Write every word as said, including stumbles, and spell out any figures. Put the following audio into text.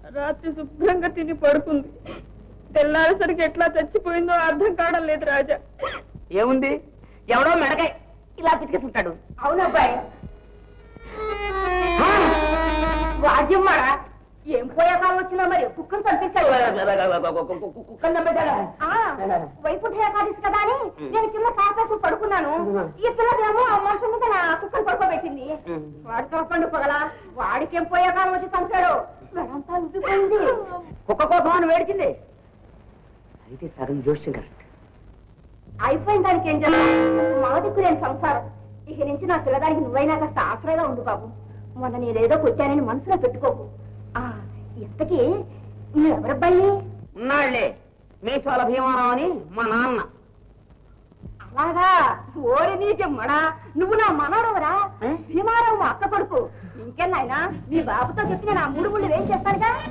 రాత్రి శుభ్రంగా తిని పడుకుంది. తెల్లారేసరికి ఎట్లా చచ్చిపోయిందో అర్థం కావడం లేదు రాజా. ఏముంది, ఎవడో మెడకాయ ఇలా పితికేస్తుంటాడు. అవునబ్బాయి, వాద్యమ్మాడా ఏం పోయే కాలం వచ్చినా మరి కుక్కను చంపించాడు. కుక్కలు నమ్మేశాడా? వైకుంఠ ఏకాదశి కదా అని నేను కింద కాపేసి పడుకున్నాను. ఈ పిల్లదేమో ఆ మనుషుల మీద నా కుక్కను పడుకోబెట్టింది. వాడి తోపండు పగలా వాడికి ఏం పోయే కాలం వచ్చి చంపాడు. వెడంతా ఉబ్బిపోయింది. కుక్క కోసం అని వేడిచింది. అయితే సగం జోష్యం కరెక్ట్. అయిపోయిన దానికి ఏం చేస్తా, మా దిక్కు నేను సంసారం. ఇక నుంచి నా పిల్లదానికి నువ్వైనా కాస్త ఆశ్రయంగా ఉండు బాబు. మొన్న నేనేదో కొచ్చానని మనసులో పెట్టుకోకు. ఆ ఇంతకీ నువ్వెవరబ్బాయి? ఉన్నాళ్లే మీసాల భీమారావు అని మా నాన్న. అలాగా, ఓరి నీజమ్మడా, నువ్వు నా మనవడవరా? భీమారావు మా అక్క కొడుకు. ఇంకెన్నాయనా నీ బాబుతో చెప్పి నేను ఆ మూడు ముళ్ళు వేసి చేస్తానుగా.